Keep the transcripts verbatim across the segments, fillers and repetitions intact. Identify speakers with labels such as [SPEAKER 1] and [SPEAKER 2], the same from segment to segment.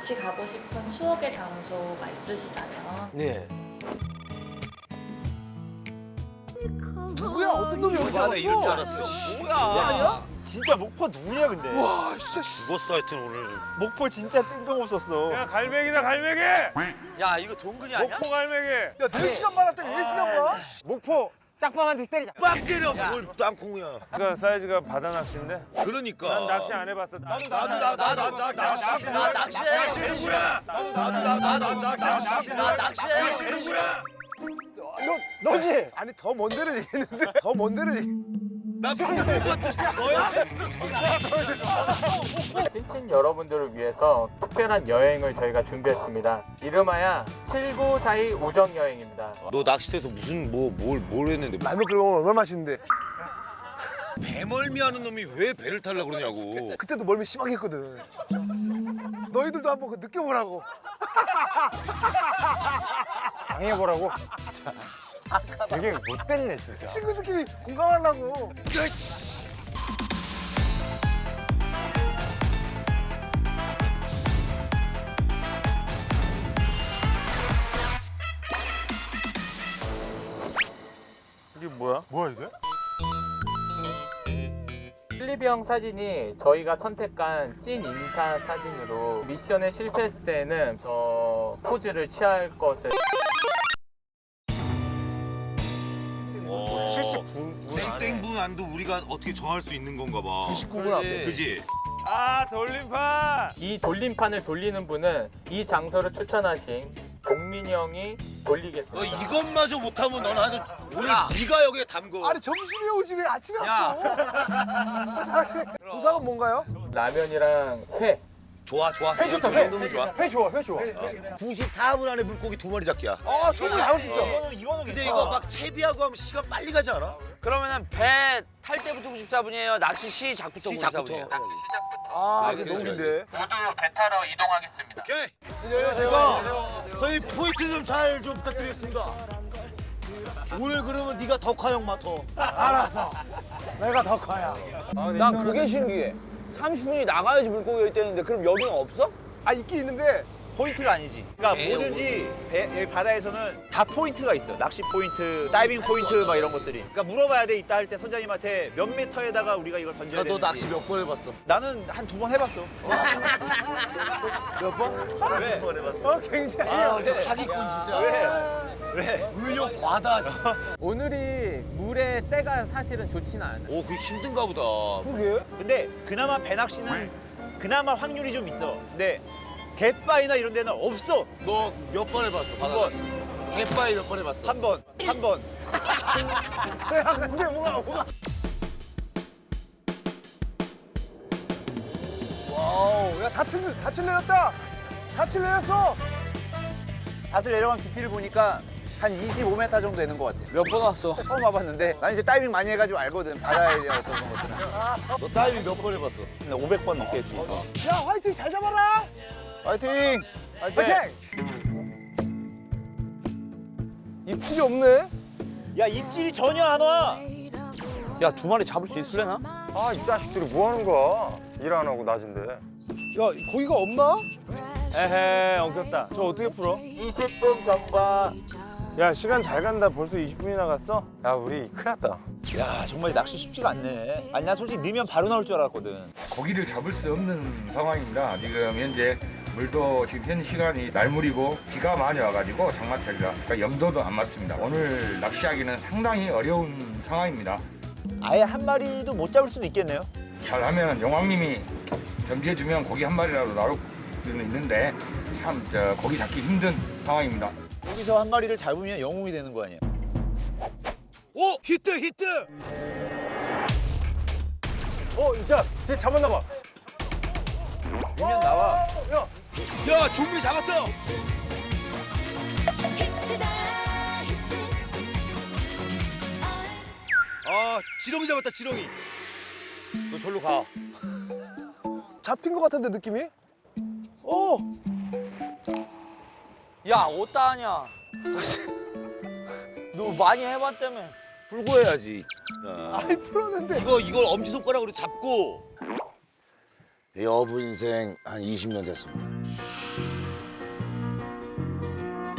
[SPEAKER 1] 같이 가고 싶은 추억의 장소가 있으시다면
[SPEAKER 2] 네.
[SPEAKER 3] 누구야? 어떤 놈이 여기
[SPEAKER 4] 나 이럴 줄
[SPEAKER 3] 왔어?
[SPEAKER 4] 알았어.
[SPEAKER 2] 뭐야? 진짜 목포 누구냐 근데?
[SPEAKER 3] 와 진짜
[SPEAKER 4] 죽었어 하여튼 오늘.
[SPEAKER 2] 목포 진짜 뜬금없었어.
[SPEAKER 5] 야 갈매기다 갈매기!
[SPEAKER 6] 야 이거 동근이 아니야?
[SPEAKER 5] 목포 갈매기!
[SPEAKER 3] 야 네 시간 만났다가 네 시간 봐?
[SPEAKER 2] 목포 짝방한테 때리자.
[SPEAKER 4] 빡 때려. 뭘 땅콩이야.
[SPEAKER 5] 그 사이즈가 바다 낚시인데?
[SPEAKER 4] 그러니까.
[SPEAKER 5] 난 낚시 안 해봤어. 나도
[SPEAKER 4] 나도 나 나 나 나 낚시.
[SPEAKER 6] 나 낚시해.
[SPEAKER 5] 누구야?
[SPEAKER 4] 나도 나 나 나 나 낚시.
[SPEAKER 6] 나 낚시해.
[SPEAKER 5] 누구야?
[SPEAKER 2] 너 너지?
[SPEAKER 3] 아니 더 먼 데를 얘기했는데 더 먼 데를 얘기...
[SPEAKER 4] 나 방금 것도 너야?
[SPEAKER 7] 찐친 여러분들을 위해서 특별한 여행을 저희가 준비했습니다. 이름하여 칠구사이 우정여행입니다.
[SPEAKER 4] 너 낚시터에서 무슨 뭐 뭘 뭘 했는데?
[SPEAKER 3] 라면 끓여 먹으면 얼마나 맛있는데
[SPEAKER 4] 배멀미하는 놈이 왜 배를 타려고 그러냐고.
[SPEAKER 3] 그때도 멀미 심하게 했거든 너희들도 한번 그 느껴보라고
[SPEAKER 2] 당해보라고? 진짜. 되게 못됐네 진짜.
[SPEAKER 3] 친구들끼리 공감하려고
[SPEAKER 5] 이게 뭐야?
[SPEAKER 2] 뭐야 이게?
[SPEAKER 7] 필리비형 사진이 저희가 선택한 찐 인사 사진으로 미션에 실패했을 때는 저 포즈를 취할 것을
[SPEAKER 2] 칠십구 분
[SPEAKER 4] 구십 땡분 안도 우리가 어떻게 정할 수 있는 건가 봐.
[SPEAKER 3] 구십구 분 앞에
[SPEAKER 4] 그지?
[SPEAKER 5] 아 돌림판!
[SPEAKER 7] 이 돌림판을 돌리는 분은 이 장소를 추천하신 동민이 형이
[SPEAKER 4] 너
[SPEAKER 7] 돌리겠습니다.
[SPEAKER 4] 이것마저 못하면 넌 아주 오늘
[SPEAKER 6] 야.
[SPEAKER 4] 네가 여기에 담궈.
[SPEAKER 3] 아니 점심에 오지 왜 아침에
[SPEAKER 6] 야.
[SPEAKER 3] 왔어 보상은 뭔가요?
[SPEAKER 7] 라면이랑 회.
[SPEAKER 4] 좋아 좋아.
[SPEAKER 2] 회 좋다
[SPEAKER 4] 이
[SPEAKER 2] 회.
[SPEAKER 4] 정도면 좋아.
[SPEAKER 2] 회 좋아 회 좋아.
[SPEAKER 4] 구십사 분 안에 물고기 두 마리 잡기야.
[SPEAKER 3] 아 충분히 잡을 수 있어
[SPEAKER 2] 이거는 이거는
[SPEAKER 4] 근데
[SPEAKER 2] 괜찮아.
[SPEAKER 4] 이거 막 채비하고 하면 시간 빨리 가지 않아?
[SPEAKER 6] 그러면은 배 탈 때부터 구십사 분이에요? 낚시 시작부터 구십사
[SPEAKER 4] 시작부터.
[SPEAKER 6] 분이에요?
[SPEAKER 3] 아
[SPEAKER 4] 그래,
[SPEAKER 3] 이게 너무
[SPEAKER 4] 그래.
[SPEAKER 3] 긴데
[SPEAKER 7] 모두 배 타러 이동하겠습니다.
[SPEAKER 4] 오케이. 제가 저희 포인트 좀 잘 좀 부탁드리겠습니다. 오늘 그러면 네가 덕화 형 맡아.
[SPEAKER 3] 알았어 내가 더 커야
[SPEAKER 6] 난 그게 신기해. 삼십 분이 나가야지 물고기가 있다는데 그럼 여기는 없어?
[SPEAKER 2] 아 있긴 있는데 포인트가 아니지. 그러니까
[SPEAKER 6] 에이,
[SPEAKER 2] 뭐든지 배, 여기 바다에서는 다 포인트가 있어. 낚시 포인트, 다이빙 포인트 막 이런 것들이. 그러니까 물어봐야 돼. 이따 할 때 선장님한테 몇 미터에다가 우리가 이걸 던져야 되는지.
[SPEAKER 6] 너 낚시 몇 번 해봤어?
[SPEAKER 2] 나는 한 두 번 해봤어.
[SPEAKER 3] 몇 번?
[SPEAKER 2] 왜?
[SPEAKER 3] 어 굉장히
[SPEAKER 4] 아, 저 사기꾼 진짜.
[SPEAKER 2] 왜? 왜?
[SPEAKER 4] 의욕 과다.
[SPEAKER 7] 오늘이 물의 때가 사실은 좋지는 않아요.
[SPEAKER 4] 오, 그게 힘든가 보다.
[SPEAKER 3] 그게?
[SPEAKER 2] 근데 그나마 배 낚시는 그나마 확률이 좀 있어. 근데 갯바위나 이런 데는 없어.
[SPEAKER 4] 너 몇 번 해봤어?
[SPEAKER 2] 두 번,
[SPEAKER 4] 갯바위 몇 번 해봤어?
[SPEAKER 2] 한 번, 한 번.
[SPEAKER 3] 야 근데 뭐가 뭐가 와우 야 닻을 닻을 내렸다 닻을 내렸어
[SPEAKER 2] 닷을 내려간 깊이를 보니까 한 이십오 미터 정도 되는 것 같아.
[SPEAKER 6] 몇 번 왔어?
[SPEAKER 2] 처음 와봤는데 난 이제 다이빙 많이 해가지고 알거든. 바다에 대한 어떤 것들은.
[SPEAKER 4] 너 다이빙 몇 번 해봤어?
[SPEAKER 2] 근데 오백 번 넘겠지. 어.
[SPEAKER 3] 야 화이팅 잘 잡아라
[SPEAKER 2] 화이팅!
[SPEAKER 3] 화이팅 입질이 없네
[SPEAKER 2] 야 입질이 전혀 안 와.
[SPEAKER 6] 야 두 마리 잡을 수 있을래나?
[SPEAKER 8] 아, 이 자식들이 뭐 하는 거야? 일 안 하고 낮인데.
[SPEAKER 3] 야 거기가 없나?
[SPEAKER 5] 에헤 엉켰다. 저 어떻게 풀어?
[SPEAKER 7] 이십 분 경과.
[SPEAKER 5] 야 시간 잘 간다. 벌써 이십 분이나 갔어?
[SPEAKER 8] 야, 우리 큰일 났다.
[SPEAKER 2] 야 정말 낚시 쉽지가 않네. 아니 난 솔직히 넣으면 바로 나올 줄 알았거든.
[SPEAKER 9] 고기를 잡을 수 없는 상황입니다. 지금 현재 물도 지금 현 시간이 날물이고 비가 많이 와가지고 장마철이라 그러니까 염도도 안 맞습니다. 오늘 낚시하기는 상당히 어려운 상황입니다.
[SPEAKER 2] 아예 한 마리도 못 잡을 수도 있겠네요.
[SPEAKER 9] 잘하면 용왕님이 점지해주면 고기 한 마리라도 나올 수는 있는데 참 저 고기 잡기 힘든 상황입니다.
[SPEAKER 2] 여기서 한 마리를 잡으면 영웅이 되는 거 아니야?
[SPEAKER 4] 오, 히트 히트.
[SPEAKER 3] 어 진짜 진짜 잡았나 봐
[SPEAKER 2] 밀면 나와.
[SPEAKER 4] 야, 좀비 잡았다. 아, 지렁이 잡았다, 지렁이. 너 절로 가.
[SPEAKER 3] 잡힌 것 같은데 느낌이? 어
[SPEAKER 6] 야 어디다 하냐? 너 많이 해봤다며.
[SPEAKER 4] 풀고 해야지. 야.
[SPEAKER 3] 아이 풀었는데
[SPEAKER 4] 이거 이걸 엄지 손가락으로 잡고. 여분 인생 한 이십 년 됐습니다.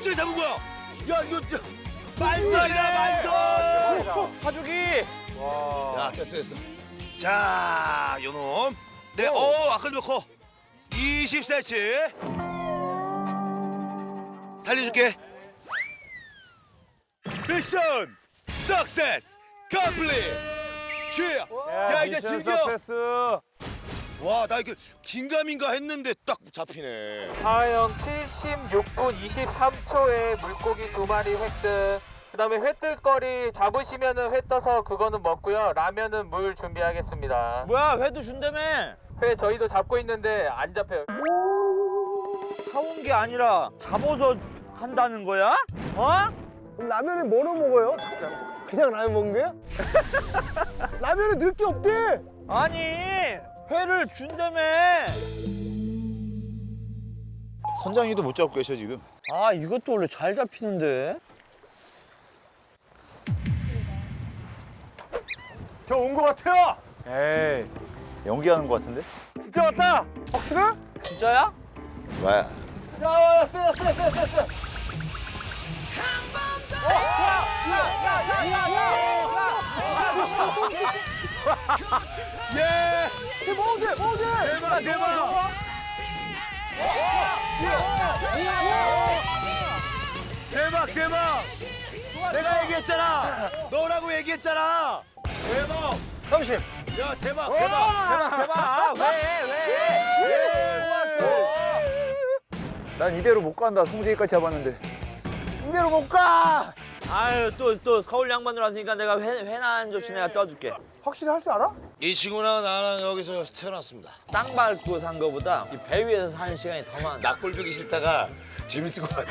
[SPEAKER 4] 어떻게 잡은 거야? 야 이거 만선이다 만선.
[SPEAKER 6] 가족이.
[SPEAKER 4] 야 됐어 됐어. 자 요놈. 네, 어 아까 몇 커? 이십 센티미터. 살려줄게. 미션 석세스 컴플릿. 취야. 야 이제
[SPEAKER 5] 미션
[SPEAKER 4] 즐겨.
[SPEAKER 5] 석세스.
[SPEAKER 4] 와 나 이거 긴가민가 했는데 딱 잡히네.
[SPEAKER 7] 하영 칠십육 분 이십삼 초에 물고기 두 마리 획득. 그다음에 회뜰거리 잡으시면은 회 떠서 그거는 먹고요. 라면은 물 준비하겠습니다.
[SPEAKER 6] 뭐야 회도 준다며.
[SPEAKER 7] 회 저희도 잡고 있는데 안 잡혀요.
[SPEAKER 6] 사온 게 아니라 잡아서 한다는 거야? 어?
[SPEAKER 3] 그럼 라면에 뭐로 먹어요? 그냥 라면 먹는 거야? 라면에 넣을 게 없대.
[SPEAKER 6] 아니 회를 준다며.
[SPEAKER 2] 선장님도 못 잡고 계셔 지금.
[SPEAKER 6] 아 이것도 원래 잘 잡히는데.
[SPEAKER 3] 저 온 거 같아요.
[SPEAKER 5] 에이,
[SPEAKER 2] 연기하는 것 같은데?
[SPEAKER 3] 진짜 왔다. 확실해?
[SPEAKER 6] 진짜야?
[SPEAKER 4] 좋아요.
[SPEAKER 3] 야, 쎄, 쎄, 쎄, 쎄, 쎄.
[SPEAKER 4] 예.
[SPEAKER 3] 쟤 먹어도 돼, 먹어도 돼.
[SPEAKER 4] 대박 대박. 대박 대박. 내가 얘기했잖아. 너라고 얘기했잖아. 대박.
[SPEAKER 3] 삼십.
[SPEAKER 4] 야 대박 대박.
[SPEAKER 6] 대박 대박. 왜 왜?
[SPEAKER 2] 난 이대로 못 간다. 송재기까지 잡았는데.
[SPEAKER 3] 이대로 못 가.
[SPEAKER 6] 아유 또 또 서울 양반들 왔으니까 내가 회 회나 한 접시 내가 떠줄게.
[SPEAKER 3] 확실히 할 줄 알아?
[SPEAKER 4] 이 친구랑 나랑 여기서 태어났습니다.
[SPEAKER 6] 땅 밟고 산 거보다 이 배 위에서 사는 시간이 더 많아.
[SPEAKER 4] 낙골벽이 싫다가 재밌을 것 같아.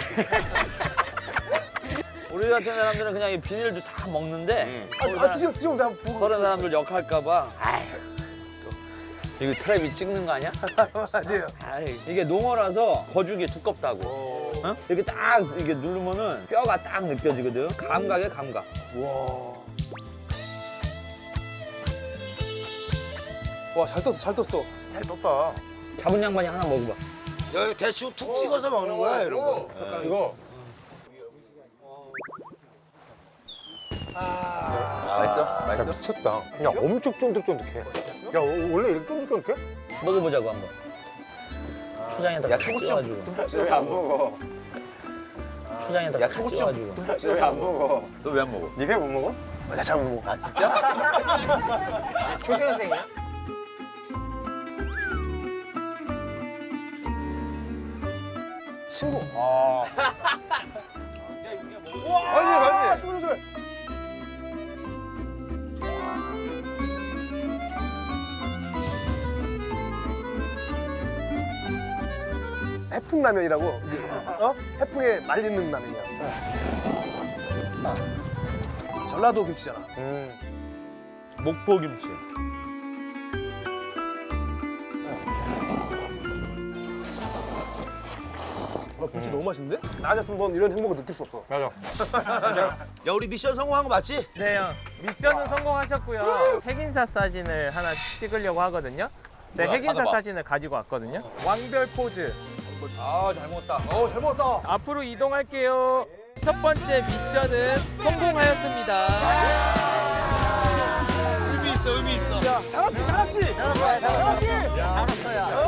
[SPEAKER 6] 우리 같은 사람들은 그냥 이 비닐도 다 먹는데
[SPEAKER 3] 아, 아 드셔, 드셔보세요. 한번 보고.
[SPEAKER 6] 서른 사람들 역할까봐. 아휴 또 이거 트랩이 찍는 거 아니야?
[SPEAKER 3] 맞아요.
[SPEAKER 6] 아이, 이게 농어라서 거죽이 두껍다고. 어? 이렇게 딱 이게 누르면은 뼈가 딱 느껴지거든. 감각에 감각.
[SPEAKER 3] 와, 잘 떴어, 잘 떴어.
[SPEAKER 5] 잘 떴다.
[SPEAKER 6] 잡은 양반이 하나 먹어봐.
[SPEAKER 4] 여기 대충 툭 찍어서 먹는 거야 이런 거.
[SPEAKER 3] 이거.
[SPEAKER 2] 맛있어?
[SPEAKER 3] 야,
[SPEAKER 2] 맛있어?
[SPEAKER 3] 미쳤다. 야, 엄청 쫀득쫀득해. 야, 어, 원래 이렇게 쫀득쫀득해?
[SPEAKER 6] 먹어보자고 한번. 초장에다
[SPEAKER 2] 야,
[SPEAKER 6] 같이
[SPEAKER 2] 초고추
[SPEAKER 6] 찍어가지고.
[SPEAKER 8] 왜 안 먹어?
[SPEAKER 6] 초장에다
[SPEAKER 2] 야,
[SPEAKER 6] 같이
[SPEAKER 2] 초고추.
[SPEAKER 6] 찍어가지고.
[SPEAKER 8] 왜 안 먹어?
[SPEAKER 2] 너 왜 안 먹어?
[SPEAKER 8] 니네 못 먹어?
[SPEAKER 3] 나 잘 못 먹어.
[SPEAKER 2] 아 진짜?
[SPEAKER 3] 초등학생이야? 친구.
[SPEAKER 5] 아,
[SPEAKER 3] 맞지, 맞지. 쪼글, 쪼글. 해풍라면이라고. 어? 해풍에 말리는 라면이야. 아. 전라도 김치잖아.
[SPEAKER 6] 목포 김치.
[SPEAKER 3] 와, 김치 너무 맛있는데? 나 같았으면 넌 이런 행복을 느낄 수 없어.
[SPEAKER 5] 맞아.
[SPEAKER 4] 야 우리 미션 성공한 거 맞지?
[SPEAKER 7] 네, 형. 미션은 성공하셨고요. 핵인사 사진을 하나 찍으려고 하거든요. 네,
[SPEAKER 4] 뭐야?
[SPEAKER 7] 핵인사
[SPEAKER 4] 받아봐.
[SPEAKER 7] 사진을 가지고 왔거든요. 왕별 포즈.
[SPEAKER 5] 아, 잘 먹었다.
[SPEAKER 3] 어, 잘 먹었다.
[SPEAKER 7] 앞으로 이동할게요. 첫 번째 미션은 성공하였습니다.
[SPEAKER 4] 의미 있어 의미 있어.
[SPEAKER 3] 잘했지, 잘했지. 잘했지. 잘했지.